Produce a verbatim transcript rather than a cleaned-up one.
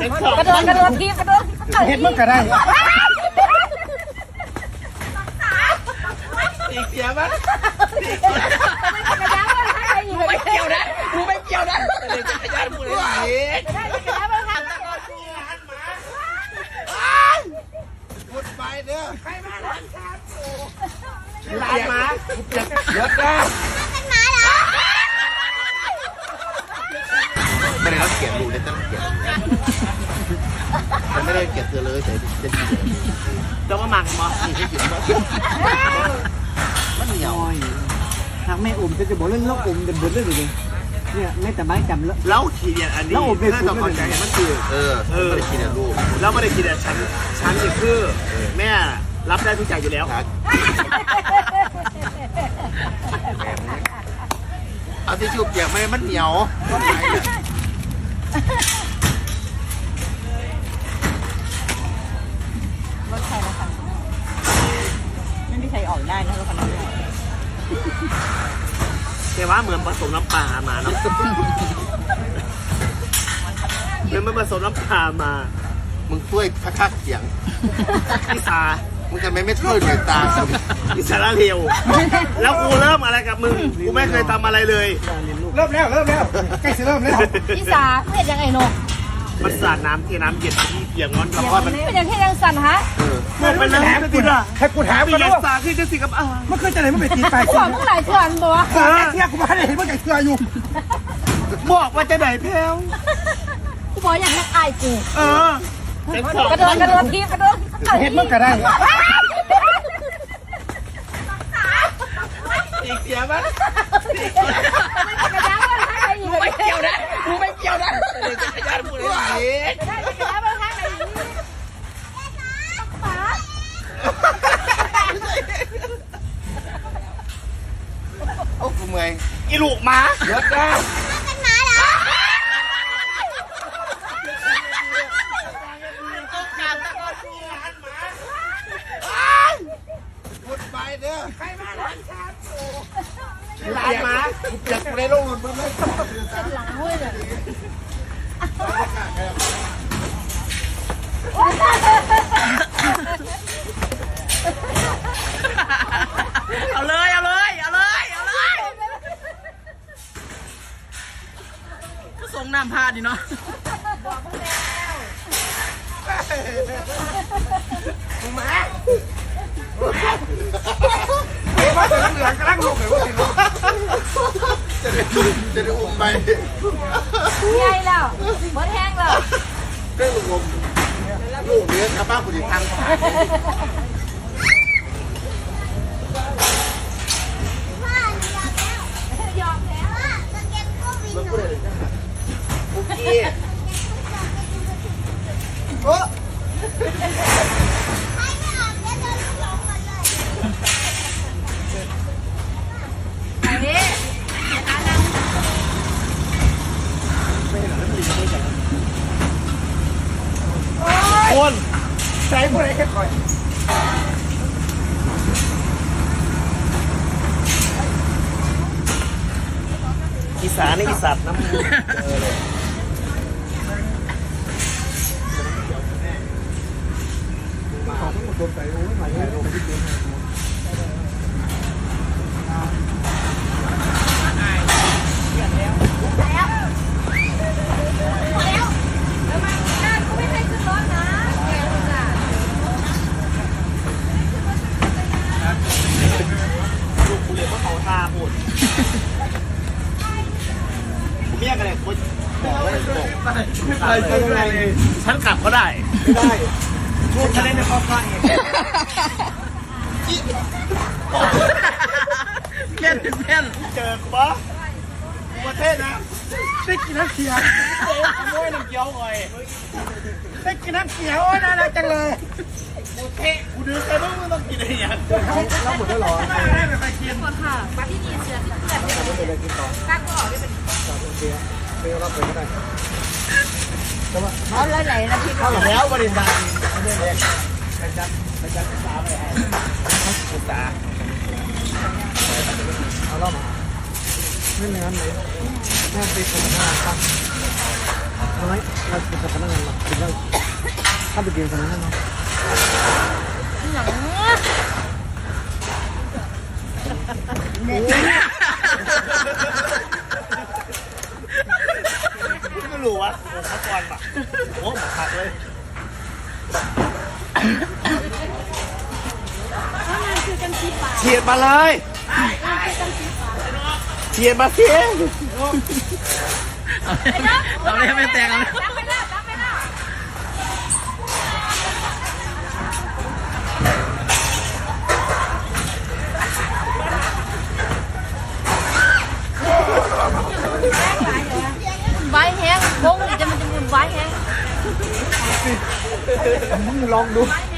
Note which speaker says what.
Speaker 1: กระโดดกระโดดทีกระโดด
Speaker 2: เห็นมันก็ได้
Speaker 3: ตีเสียมั้ยไม่เกี่ยวนะกูไม่เกี่ยวนะจักรยานกูเลยพูดไปเด้อใครมาหลานครับหลานมาเยอะนะไม่ได้เขาเกลียดดูเลยตั้งเกลียดมันไม่ได้เกลียดเธอเลยแต่จะเกลียดจะมาหมักมั้งนี่ให้เกลียดมั้งมันเหนียว
Speaker 2: ทางแม่อุ่มจะจะบอกเรื่องลูกอุ่มจะบ่นเรื่องอะไรเนี่ยแม่แต่ไม่จำแล้ว
Speaker 3: แล้วทีเดียอันนี้ถ้าต้องเข้าใจมันคือเออเออไม่ได้ทีเดียลูกแล้วไม่ได้ทีเดียฉันฉันนี่คือแม่รับได้ทุกอย่างอยู่แล้วเอาที่ชุบอย่างไม่มันเหนียว
Speaker 1: รถใครนะคะไม่มีใครออกได้นะรถคันนี้
Speaker 3: แต่ว่าเหมือนผสมน้ำปลามาเนาะเหมือนมันผสมน้ำปลามามึงช่วยพักทักเสียงพิซามึงจะไม่ไม่ช่วยหน่วยตาอิสระเร็วแล้วกูเริ่มอะไรกับมึงกูไม่เคยทำอะไรเลย
Speaker 2: เริ่มแล้วเริ่มแล้วใกล้จะเริ่มแล้ว
Speaker 1: พี่สาเห็นยังไงนก
Speaker 3: มันสาดน้ำเทน้ำเย็นที่เปียกงอนกับว่ามัน
Speaker 1: เป็นอย่างที่ยังสั่นฮะ
Speaker 3: มันเป็นน้ำกูด่า
Speaker 2: ให้กูถาม
Speaker 3: กันว่าสาที่จะสิกับอ่า
Speaker 2: มันเคยจะไหนมันเป็นตีไป
Speaker 1: ขวางเมื่อไหร่ขวางบัว
Speaker 2: ขวางเที่ยกูมาได้เห็นว่าไก่เสืออยู่
Speaker 3: บอกว่าจะไหนแพ้ว
Speaker 1: กูบอกอย่างนักอายกู
Speaker 3: เออก
Speaker 1: ระโดดกระโดดทีกระโดด
Speaker 2: เห็นมันก็ได้
Speaker 3: อีกเสียมั้ยกูไม่เกี่ยวนะกูไม่เกี่ยวนะจักรยานกูเลยโอ้กูเมื่อยอีลูกมาเยอะจ้าเป็นหมาเหรอพูดไปเด้อใครมาหลานครับหลานมาอยากในโลกหลุดมึงเลย
Speaker 1: เป็นหลังเว้ยเลย
Speaker 3: เอาเลยเอาเลยเอาเลยเอาเลยก็ส่งน้ำพาดิเนาะ
Speaker 1: บอกเพิ่งแล้ว
Speaker 3: มึงมา
Speaker 2: มาแต่เหลืองกระลังลงเลยว่า
Speaker 3: จะได้จะได้อุ้มไป
Speaker 1: ใหญ่แล้วหมดแห้งแล้ว
Speaker 3: ได้ลูกอมลูกเลี้ยงกับป้าผู้ดีทาง
Speaker 1: ยอมแล้วจะเก็บก็วิ่งหน่อย
Speaker 3: โอเค
Speaker 1: โอ้ใครไม่ออกเนี่ยเดินหลงมาเลยอันนี้อันนั้น
Speaker 3: คน
Speaker 2: ใส่พวกไหนแค่คอย
Speaker 3: อีสานนี่อีสัตว์น้ำ
Speaker 2: ของทั้งหมดโดนใส่โอ้ยหมายถึงโดนที่เกิน
Speaker 3: ลูกกูเลยว่าเขาตาหมดกูไม่อยากอะไรกูบอกว่าบอก
Speaker 2: ไม่ไปเจออะไรเลย
Speaker 3: ฉันกลับก็ได้
Speaker 2: ไม่ได้
Speaker 3: ลูกฉันเล่นในครอบครัวเองเพี้ยนเพี้ยนเจอปะประเทศนะ
Speaker 2: ได้กินน้ำเขียว
Speaker 3: ขโมยน้ำเกี๊ยวเลย
Speaker 2: ได้กินน้ำเขียวน่ารักจังเลย
Speaker 3: กูเทะกูดื้อแต่ต้องต้องกินอะไรอย่าง
Speaker 2: แล้วหมดแล้วหรอ
Speaker 3: ไม่ได้ไม่ไปกิน
Speaker 1: ค่ะมาที่นี่เสือที่เกิดเนี่ย
Speaker 2: ไม่ได้กินต่อ
Speaker 1: ก้างก็ออกได้เป็น
Speaker 2: โอเคไม่รับไปก็ได้
Speaker 1: เอาเลยไหนนะพี่
Speaker 3: เข้าแล้วบริษัท
Speaker 2: ไม่ได้เลยไปจัดไปจัดศึกษาไปให้
Speaker 3: ศึกษา
Speaker 2: เอาล่ะมาไม่เหมือนเลยแม่ไปคนหน้าครับน้อยเราจะพนักงานเราเป็นเราถ้าไปเรียนตรงนั้นเนาะ
Speaker 1: อย่าง
Speaker 3: ไม่รู้วะโอ้เขาก่อนปะโอ้หมดผักเลยเฉียดมาเลยเฉียดมาเสีย
Speaker 4: เราไม่ไม่แตกเอา
Speaker 1: ไว้แห้งวงนี่จะมันจะมีไว้แห้ง
Speaker 2: มึงลองดู
Speaker 1: ไว้